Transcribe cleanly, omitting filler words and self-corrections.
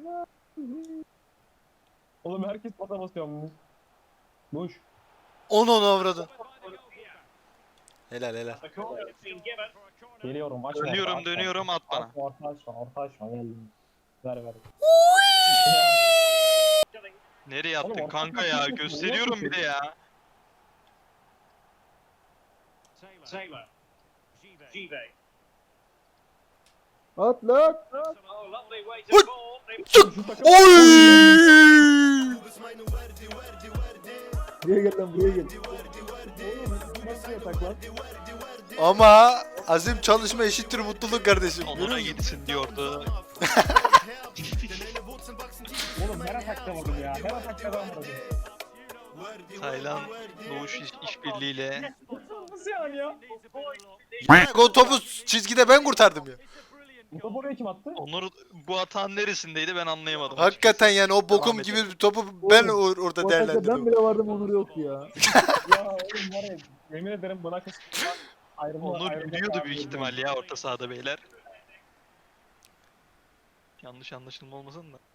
Oğlum herkes pata basıyor mu? Boş. Onu avradın. Helal helal. Geliyorum açma orta Dönüyorum açma. dönüyorum at bana. Orta açma geldim. Ver. Nereye Oğlum, attın orta kanka saha ya? kimse Gösteriyorum bir de ya. Taylor. Give. At lan. Oh, lovely way to Hıt! ball. Şu takım Oy! Buraya gel lan buraya gel. Oğlum nasıl yatak lan? Ama azim çalışma eşittir mutluluk kardeşim. Onlara gitsin diyordu. Oğlum her atakta vurdum ya. Her atakta ben vurdum. Taylan Doğuş işbirliğiyle. Nasıl yani ya? O topu çizgide ben kurtardım ya. Bu topu oraya kim attı? Onur bu atağın neresindeydi ben anlayamadım. Hakikaten yani o bokum Devam gibi edelim. bir topu ben Oğlum, orada O atakta ben değerlendirdim. bile vardım Onur yoktu ya. Ya oğlum var ya. Yemin ederim buna kısmı ayrılma. Onur ayrılma biliyordu kararı büyük verdim. ihtimal ya orta sahada beyler. Yanlış anlaşılma olmasın da.